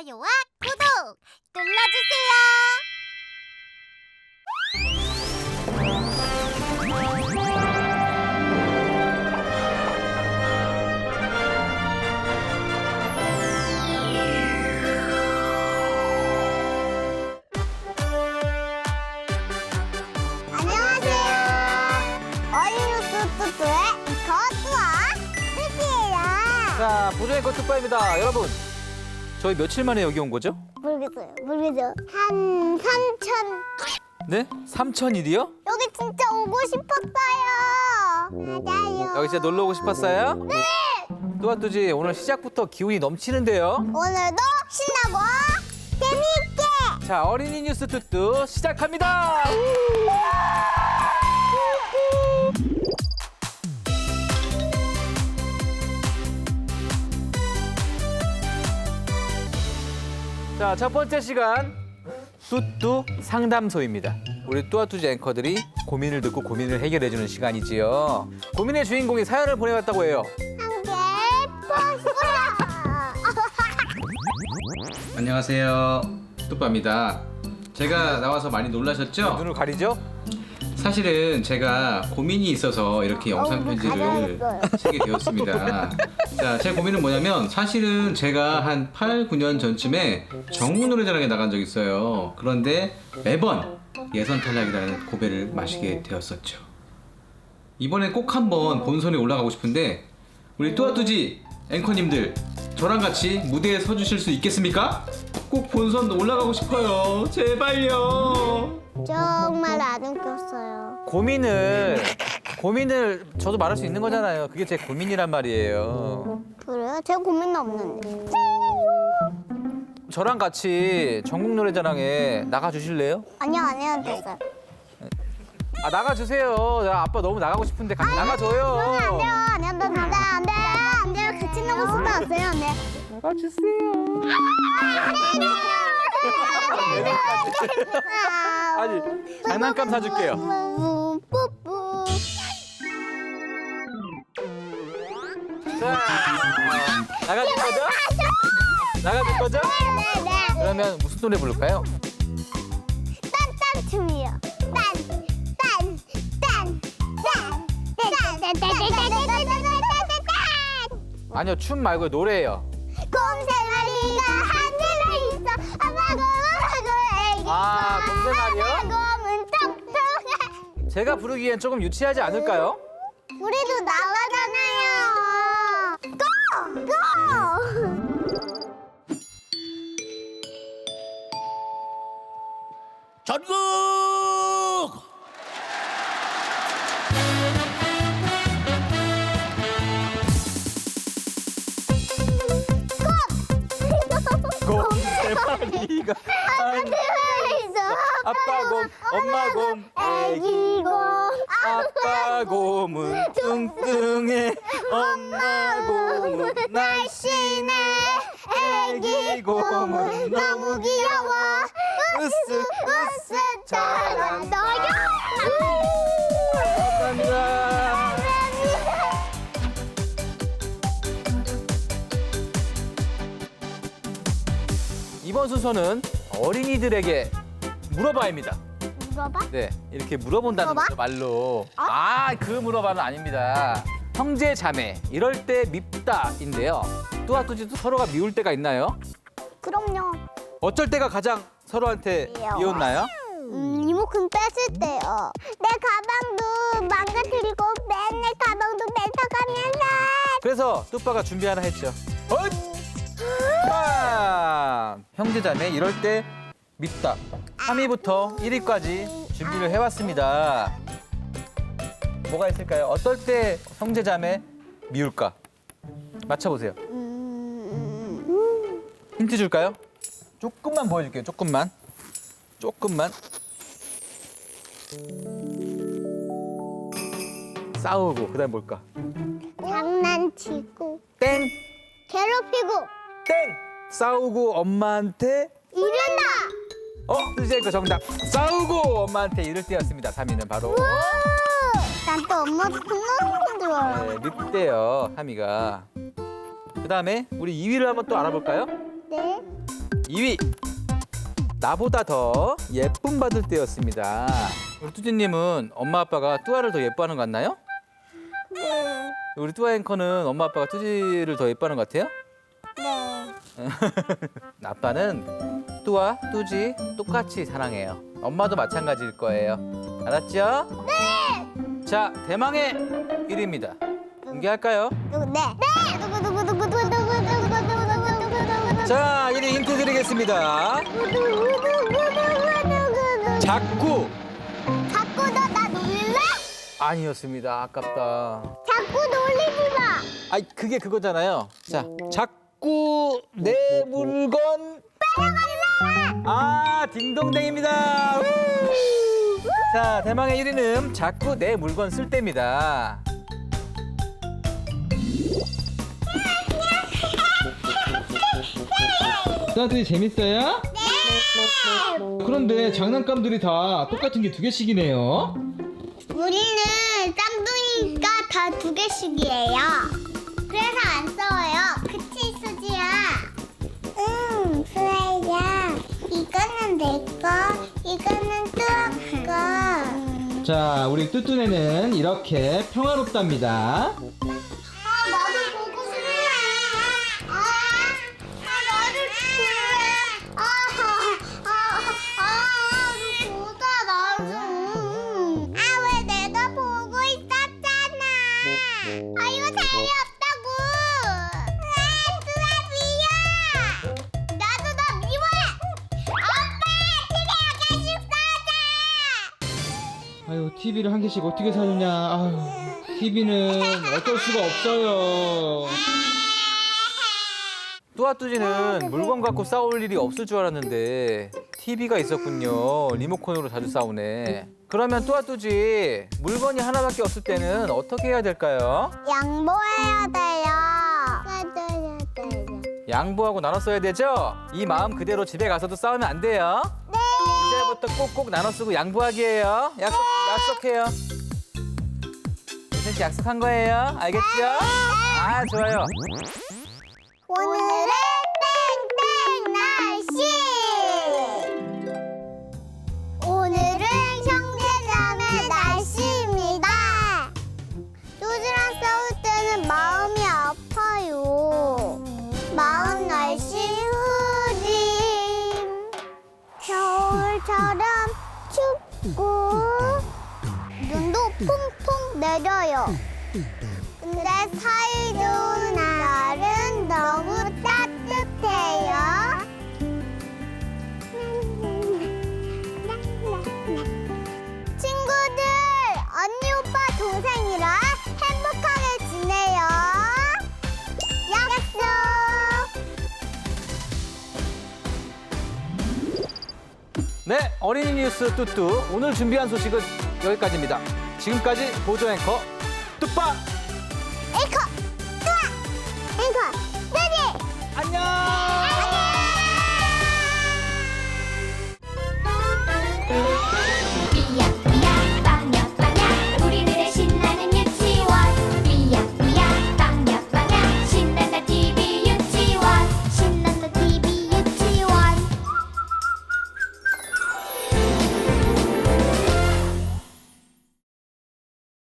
좋아요와 구독 눌러주세요. 안녕하세요. 어린이뉴스 뚜뚜의 이커뚜와 뚜띠예요. 자, 보조의 거투파입니다. 여러분, 저희 며칠 만에 여기 온 거죠? 모르겠어요. 한 3천. 네? 3,000일이요? 여기 진짜 오고 싶었어요. 맞아요. 여기 진짜 놀러 오고 싶었어요? 네. 뚜아뚜지, 오늘 시작부터 기운이 넘치는데요? 오늘도 신나고 재미있게. 자, 어린이 뉴스 뚜뚜 시작합니다! 자, 첫 번째 시간 뚜뚜 상담소입니다. 우리 뚜아뚜지 앵커들이 고민을 듣고 고민을 해결해주는 시간이지요. 고민의 주인공이 사연을 보내왔다고 해요. 함께 보시라. 안녕하세요. 뚜빠입니다. 제가 나와서 많이 놀라셨죠? 눈을 가리죠? 사실은 제가 고민이 있어서 이렇게 영상 편지를 가려웠어요. 쓰게 되었습니다. 자, 제 고민은 뭐냐면 사실은 제가 한 8, 9년 전쯤에 전국 노래자랑에 나간 적이 있어요. 그런데 매번 예선 탈락이라는 고배를 마시게 되었었죠. 이번엔 꼭 한번 본선에 올라가고 싶은데 우리 뚜아뚜지 앵커님들 저랑 같이 무대에 서주실 수 있겠습니까? 꼭 본선 올라가고 싶어요. 제발요. 정말 안 웃겼어요. 고민을 저도 말할 수 있는 거잖아요. 그게 제 고민이란 말이에요. 그래요? 제 고민은 없는데. 저랑 같이 전국 노래자랑에 나가 주실래요? 아니요, 안 해도 됐어요. 아, 나가 주세요. 나 아빠 너무 나가고 싶은데 같이 나가 안 돼요, 줘요. 안 해도 안 돼, 안 돼, 안 돼요. 같이 나갈 수도 없어요, 안 돼. 나가 주세요. 아니, 장난감 사줄게요. 뿌뿌. 자, 나가줄 거죠? 나가줄 거죠? 네, 네. 그러면 무슨 노래 부를까요? 딴딴 춤이요. 아니요, 춤 말고 노래예요. 곰새마리가 하늘에 있어. 아빠고 애기. 아, 곰새마리요? 곰은 똑똑해. 제가 부르기엔 조금 유치하지 않을까요? 우리도 나가잖아요. 고! 고! 전국 곰새마리가 하늘에 있어. 아빠 곰, 엄마 곰, 애기 곰. 아빠 곰은 뚱뚱해, 엄마 곰은 날씬해, 애기 곰은 너무 귀여워, 으쓱 잘한다요. 감사합니다. 이번 순서는 어린이들에게 물어봐입니다. 물어봐? 네, 이렇게 물어본다는 물어봐? 거죠, 말로. 그 물어봐는 아닙니다. 형제, 자매, 이럴 때 밉다인데요. 뚜아뚜지도 서로가 미울 때가 있나요? 그럼요. 어쩔 때가 가장 서로한테 미워요. 미웠나요? 리모컨 뺐을 때요. 내 가방도 망가뜨리고 맨날 가방도 뺏어가면서. 그래서 뚜빠가 준비 하나 했죠. 형제자매 이럴 때 밉다. 3위부터 1위까지 준비를 해왔습니다. 뭐가 있을까요? 어떨 때 형제자매 미울까? 맞춰보세요. 힌트 줄까요? 조금만 보여줄게요. 조금만. 싸우고 그다음 뭘까? 장난치고 땡! 괴롭히고 땡! 싸우고 엄마한테 이른다. 뚜지앵커 정답. 싸우고 엄마한테 이럴 때였습니다. 3위는 바로. 난 또 엄마도 혼나는 줄 알아. 네, 늑대요, 3위가. 그다음에 우리 2위를 한번 또 알아볼까요? 네. 2위. 나보다 더 예쁨 받을 때였습니다. 우리 뚜지님은 엄마 아빠가 뚜아를 더 예뻐하는 것 같나요? 네. 우리 뚜아 앵커는 엄마 아빠가 뚜지를 더 예뻐하는 것 같아요? 네. 아빠는 뚜아, 뚜지 똑같이 사랑해요. 엄마도 마찬가지일 거예요. 알았죠? 네! 자, 대망의 1위입니다. 공개할까요? 누구? 네. 네. 누구? 자, 1위 힌트 드리겠습니다. 자꾸 자꾸 나 놀릴래? 아니었습니다. 아깝다. 자꾸 놀리지 마. 아이, 그게 그거잖아요. 자, 자꾸 내 물건. 아, 딩동댕입니다. 우! 자, 대망의 1위는 자꾸 내 물건 쓸 때입니다. 뚜아뚜지 재밌어요? 네. 그런데 장난감들이 다 똑같은 게 2개씩이네요. 우리는 쌍둥이가 다 2개씩이에요. 그래서 안 싸워요. 그치, 수지야? 응, 수아야. 이거는 내 거, 이거는 뚜아 거. 자, 우리 뚜뚜네는 이렇게 평화롭답니다. 나도 보고 싶네. 나도 볼래. 보자, 나도. 왜 내가 보고 있었잖아. 이거 재미없다고. 뚜아 미워. 나도 너 미워해. 오빠, 집에 가가지고 싸자. 아유, TV를 한 개씩 어떻게 사느냐. 아유, TV는 어쩔 수가 없어요. 뚜아뚜지는 물건 갖고 싸울 일이 없을 줄 알았는데 TV가 있었군요. 리모컨으로 자주 싸우네. 그러면 뚜아뚜지 물건이 하나밖에 없을 때는 어떻게 해야 될까요? 양보해야 돼요. 맞아야 돼요. 양보하고 나눠 써야 되죠? 이 마음 그대로 집에 가서도 싸우면 안 돼요. 네. 이제부터 꼭꼭 나눠 쓰고 양보하기예요. 약속해요. 선생님 약속한 거예요. 알겠죠? 아, 좋아요. 오늘의 땡땡 날씨. 오늘은 형제자매 날씨입니다. 뚜지랑 싸울 때는 마음이 아파요. 마음 날씨 흐림. 겨울처럼 춥고 눈도 퐁퐁 내려요. 근데 사이좋은 날은 너무 따뜻해요. 친구들, 언니, 오빠, 동생이랑 행복하게 지내요. 약속! 네, 어린이 뉴스 뚜뚜. 오늘 준비한 소식은 여기까지입니다. 지금까지 보조 앵커 뚜빠